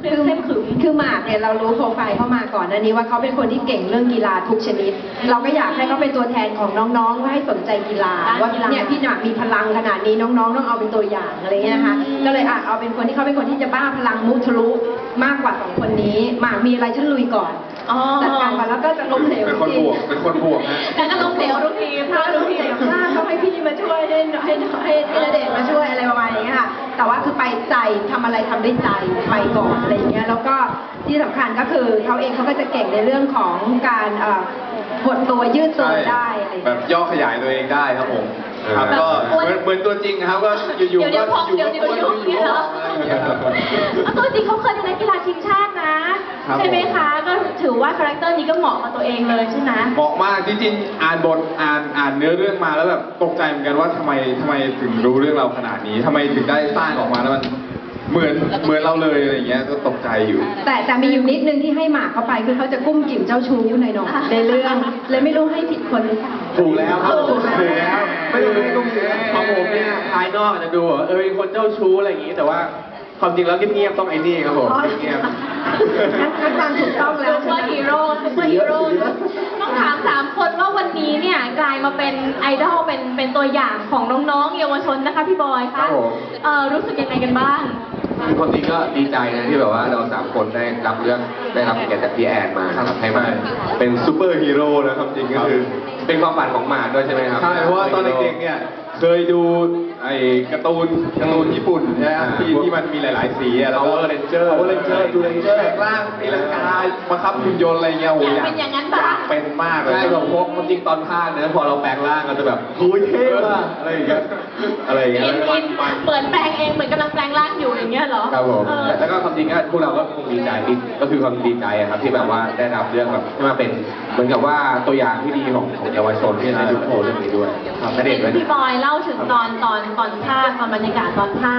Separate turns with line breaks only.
คือหมากเนี่ยเรารู้โปรไฟล์เข้ามาก่อนอันนี้ว่าเขาเป็นคนที่เก่งเรื่องกีฬาทุกชนิด เราก็อยากให้เขาเป็นตัวแทนของน้องๆว่าให้สนใจกีฬาว่าเนี่ยพี่หมากมีพลังขนาดนี้น้องๆต้องเอาเป็นตัวอย่างอะไรเงี้ยนะคะก็เลยเอาเป็นคนที่เขาเป็นคนที่จะบ้าพลังมุทะลุมากกว่า2 คนนี้หมากมีอะไรฉันลุยก่อนจัดการก่อนแล้วก็จะล้มเหลว
เป็นคนบวกฮะ
แต่ก็ล้มเหลวทุกทีพลาดทุกที
เขาให้พี่มาช่วยให้ณเดชน์มาช่วยอะไรประมาณนี้ค่ะแต่ว่าคือไปใจทำอะไรทำด้วยใจไปก่อนอะไรอย่างเงี้ยแล้วก็ที่สำคัญก็คือเขาเองเขาก็จะเก่งในเรื่องของการหดตัวยืดตัวได้อะไรอย่าง
แบ
เงี้ย
บย่อขยายตัวเองได้ครับผมครับก็เหมือนตัวจริงครับก็อยู่ๆก็อยู่ๆก็อยู่ๆ
ตัวจริงเขาเคยเป็นนักกีฬาทีมชาตินะใช่ไหมคะก็ถือว่าคาแรคเตอร์นี้ก็เหมาะกับตัวเองเลยใช่ไหม
เหมาะมากจริงๆอ่านบทอ่านเนื้อเรื่องมาแล้วแบบตกใจเหมือนกันว่าทำไมถึงรู้เรื่องเราขนาดนี้ทำไมถึงได้สร้างออกมาแล้วมันเหมือนเราเลยอะไรอย่างเงี้ยก็ตกใจอยู่
แต่มีอยู่นิดนึงที่ให้หมากเข้าไปคือเขาจะกุ้มกิ่มเจ้าชู้หน่อยในเรื่องเลยไม่รู้ให้ผิดคนหรือเปล่า
ถูกแล้วครับถูกแล้วไม่ต้องไม่ต้องของผมเนี่ยภายนอกอาจจะดูเป็นคนเจ้าชู้อะไรอย่างงี้แต่ว่าความจริงแล้วเงียบๆต้องไอ้นี่ครับผมเงียบ
งั้นความถูกต้องแล้ว
ซุปเปอร์ฮีโร่ต้องถาม3 คนว่าวันนี้เนี่ยกลายมาเป็นไอดอลเป็นตัวอย่างของน้องๆเยาวชนนะคะพี่บอยคะรู้สึกยังไงกันบ้าง
คือความจริงก็ดีใจนะที่แบบว่าเรา3 คนได้รับเกียรติจากพี่แอนมาครับให้มาเป็นซูเปอร์ฮีโร่นะความจริงก็คือเป็นความฝันของหมาด้วยใช่ไหมครับ
ใช่เพราะว่าตอนเด็กๆเนี่ยเคยดูไอ้การ์ตูนญี่ปุ่นใช่ไหมที่มันมีหลายๆสีแล้วก็
Power Ranger
ดูเรนเจอร์แปลงร่างตีลังกาบังคับหุ่นยนต์อะไรเงี้ยโอ้ยอยากเป็นมากเลย
ใช่แบบพวกความจริงตอนภาคเนื้อพอเราแปลงร่างก็จะแบบโอ้ยเท่ว่ะอะไรอย่างเงี้ย
เปิดแปลงเองเหมือนกำลังแปลงร่างอยู่อย่างเงี้ยเหรอ
ครับผมแล้วก็ความจริงก็พวกเราก็คงดีใจก็คือความดีใจครับที่แบบว่าได้รับเรื่องแบบที่มาเป็นเหมือนกับว่าตัวอย่างที่ดีของเยาวชนที่ได้ดูโชว์เรื่องนี้ด้วยครับ
พี่บอยเล่าถึงตอนภาคตอนบรรยากาศตอนภาค